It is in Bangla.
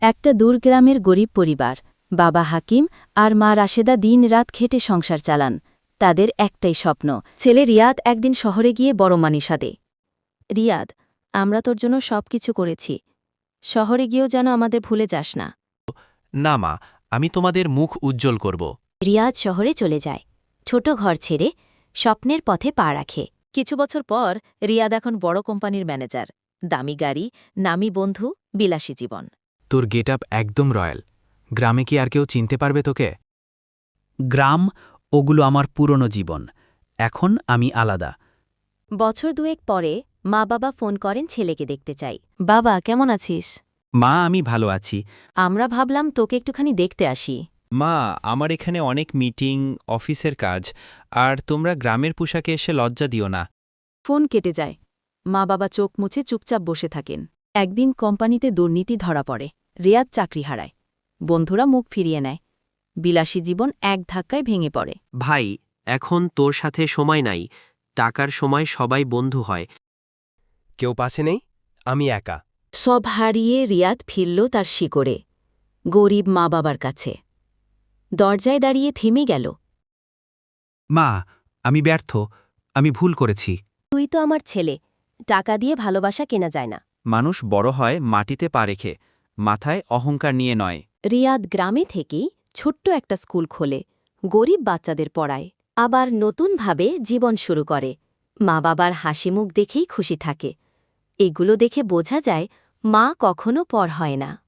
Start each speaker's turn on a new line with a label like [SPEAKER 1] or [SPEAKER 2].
[SPEAKER 1] একটা দূরগ্রামের গরিব পরিবার, বাবা হাকিম আর মা রাশেদা দিন-রাত খেটে সংসার চালান। তাদের একটাই স্বপ্ন, ছেলে রিয়াদ একদিন শহরে গিয়ে বড় মানিসা দে। রিয়াদ, আমরা তোর জন্য সবকিছু করেছি। শহরে গিয়েও যেন আমাদের ভুলে যাস না।
[SPEAKER 2] না মা, আমি তোমাদের মুখ উজ্জ্বল করব।
[SPEAKER 1] রিয়াদ শহরে চলে যায়, ছোট ঘর ছেড়ে স্বপ্নের পথে পা রাখে। কিছু বছর পর রিয়াদ এখন বড় কোম্পানির ম্যানেজার, দামি গাড়ি, নামি বন্ধু, বিলাসী জীবন।
[SPEAKER 3] তোর গেটআপ একদম রয়্যাল। গ্রামে কি আর কেউ চিনতে পারবে তোকে?
[SPEAKER 4] গ্রাম, ওগুলো আমার পুরনো জীবন। এখন আমি আলাদা।
[SPEAKER 1] বছর দুয়েক পরে মা বাবা ফোন করেন ছেলেকে দেখতে চাই। বাবা, কেমন আছিস?
[SPEAKER 4] মা, আমি ভালো আছি।
[SPEAKER 1] আমরা ভাবলাম তোকে একটুখানি দেখতে আসি।
[SPEAKER 2] মা, আমার এখানে অনেক মিটিং, অফিসের কাজ, আর তোমরা গ্রামের পোশাকে এসে লজ্জা দিও না।
[SPEAKER 1] ফোন কেটে যায়। মা বাবা চোখ মুছে চুপচাপ বসে থাকেন। একদিন কোম্পানিতে দুর্নীতি ধরা পড়ে, রিয়াদ চাকরি হারায়। বন্ধুরা মুখ ফিরিয়ে নেয়। বিলাসী জীবন এক ধাক্কায় ভেঙে পড়ে।
[SPEAKER 5] ভাই, এখন তোর সাথে সময় নাই। টাকার সময় সবাই বন্ধু হয়।
[SPEAKER 3] কেউ পাশে নেই, আমি একা।
[SPEAKER 1] সব হারিয়ে রিয়াদ ফিরল তার শিকড়ে, গরিব মা বাবার কাছে। দরজায় দাঁড়িয়ে থেমে গেল।
[SPEAKER 4] মা, আমি ব্যর্থ। আমি ভুল করেছি।
[SPEAKER 1] তুই তো আমার ছেলে, টাকা দিয়ে ভালোবাসা কেনা যায় না।
[SPEAKER 4] মানুষ বড় হয় মাটিতে পা রেখে, মাথায় অহংকার নিয়ে নয়।
[SPEAKER 1] রিয়াদ গ্রামে থেকেই ছোট্ট একটা স্কুল খোলে, গরিব বাচ্চাদের পড়ায়, আবার নতুনভাবে জীবন শুরু করে। মা বাবার হাসিমুখ দেখেই খুশি থাকে। এগুলো দেখে বোঝা যায় মা কখনো পর হয় না।